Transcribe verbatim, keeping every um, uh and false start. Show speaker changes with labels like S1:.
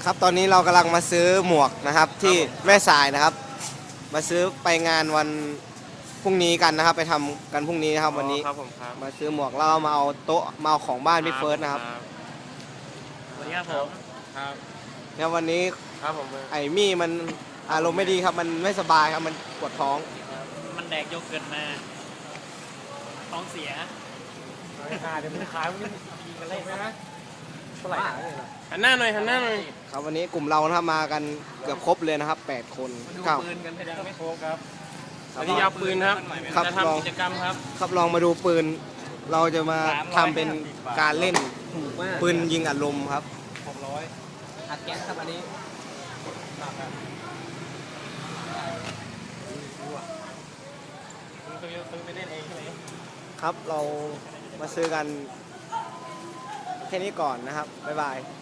S1: ครับตอนนี้เรากำลังมาซื้อหมวกนะครับที่แม่สายนะครับมาซื้อไปงานวันพรุ่งนี้กันนะครับไปทำกันพรุ่งนี้นะครับวันนี้
S2: ครับผมครับ
S1: มาซื้อหมวกแล้วมาเอาโต๊ะมาเอาของบ้านพี่เฟิร์สนะครับ
S2: สวัสดีครับผมครับ
S1: เนี่ยวันนี้
S2: ครับผม
S1: ไอ้มี่มันอารมณ์ไม่ดีครับมันไม่สบายครับมันปวดท้อง
S3: มันแดกโยเกิร์ตมาท้องเสีย
S2: ขาเดี๋ยวมันขามันยิงกันเล่นนะเท่าไหร่หันหน้าหน่อยหันหน้าหน่อย
S1: ครับวันนี้กลุ่มเรานะครับมากันเกือบครบเลยนะครับแปดคน
S2: ดู
S1: ครับ
S2: ปืนกันยังไม่ครบครับวันนี้ยาวปืนครับ
S1: ครับ
S2: จะ
S1: ลอง
S2: ทำกิจกรรมครับ
S1: ครับลองมาดูปืน เราจะมาทำเป็นการเล่นปืนยิงอัดลมครับ
S2: หกร้อยอัดแก๊สครับอันนี้ซื้อซื้อไปเล่นเองใช่ไหม
S1: ครับเรามาซื้อกันแค่นี้ก่อนนะครับบ๊ายบาย